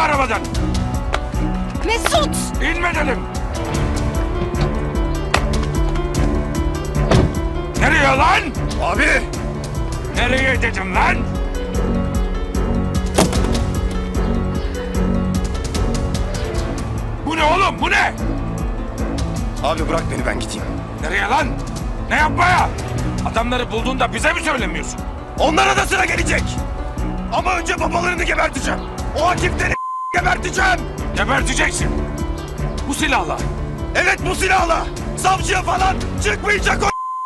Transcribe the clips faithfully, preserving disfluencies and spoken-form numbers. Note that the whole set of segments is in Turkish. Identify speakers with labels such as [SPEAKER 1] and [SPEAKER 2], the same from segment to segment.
[SPEAKER 1] arabadan!
[SPEAKER 2] Mesut!
[SPEAKER 1] İnme dedim! Nereye lan?
[SPEAKER 3] Abi!
[SPEAKER 1] Nereye dedim lan? Bu ne oğlum, bu ne?
[SPEAKER 3] Abi bırak beni, ben gideyim.
[SPEAKER 1] Nereye lan? Ne yapmaya? Adamları bulduğunda bize mi söylemiyorsun?
[SPEAKER 3] Onlara da sıra gelecek. Ama önce babalarını geberteceğim. O hakimleri geberteceğim.
[SPEAKER 1] Geberteceksin. Bu silahla.
[SPEAKER 3] Evet, bu silahla. Savcıya falan çıkmayacak o.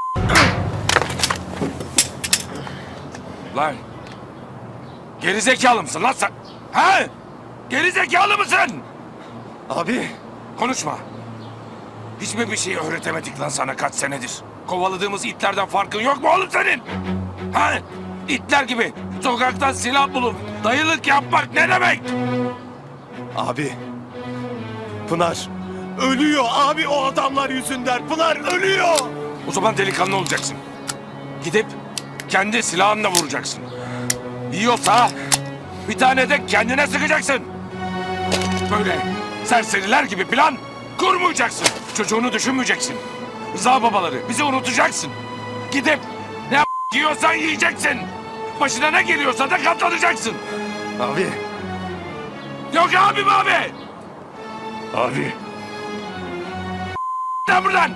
[SPEAKER 1] Lan. Gerizekalı mısın lan sen? Ha? Gerizekalı mısın?
[SPEAKER 3] Abi.
[SPEAKER 1] Konuşma. Hiç mi bir şey öğretemedik lan sana kaç senedir? Kovaladığımız itlerden farkın yok mu oğlum senin? Ha? İtler gibi sokaktan silah bulup dayılık yapmak ne demek?
[SPEAKER 3] Abi. Pınar. Ölüyor abi o adamlar yüzünden. Pınar ölüyor.
[SPEAKER 1] O zaman delikanlı olacaksın. Gidip kendi silahınla vuracaksın. Yiyorsa bir tane de kendine sıkacaksın. Böyle serseriler gibi plan kurmayacaksın. Çocuğunu düşünmeyeceksin. Rıza babaları bizi unutacaksın. Gidip ne yiyorsan yiyeceksin. Başına ne geliyorsa da katlanacaksın.
[SPEAKER 3] Abi.
[SPEAKER 1] Yok abim abi.
[SPEAKER 3] Abi.
[SPEAKER 1] Lan buradan.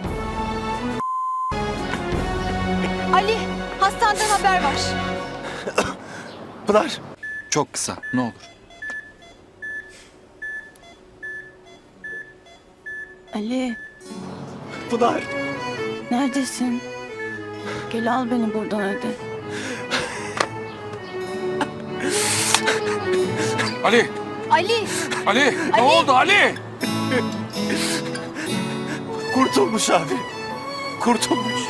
[SPEAKER 2] Ali, hastaneden haber var.
[SPEAKER 3] Pınar.
[SPEAKER 4] Çok kısa, ne olur.
[SPEAKER 5] Ali,
[SPEAKER 3] Pınar.
[SPEAKER 5] neredesin? Gel al beni buradan hadi.
[SPEAKER 1] Ali.
[SPEAKER 2] Ali!
[SPEAKER 1] Ali. Ne
[SPEAKER 2] Ali.
[SPEAKER 1] oldu Ali?
[SPEAKER 3] Kurtulmuş abi. Kurtulmuş.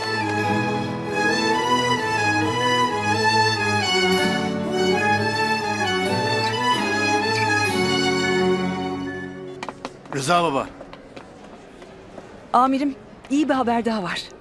[SPEAKER 6] Rıza baba.
[SPEAKER 7] Amirim, iyi bir haber daha var.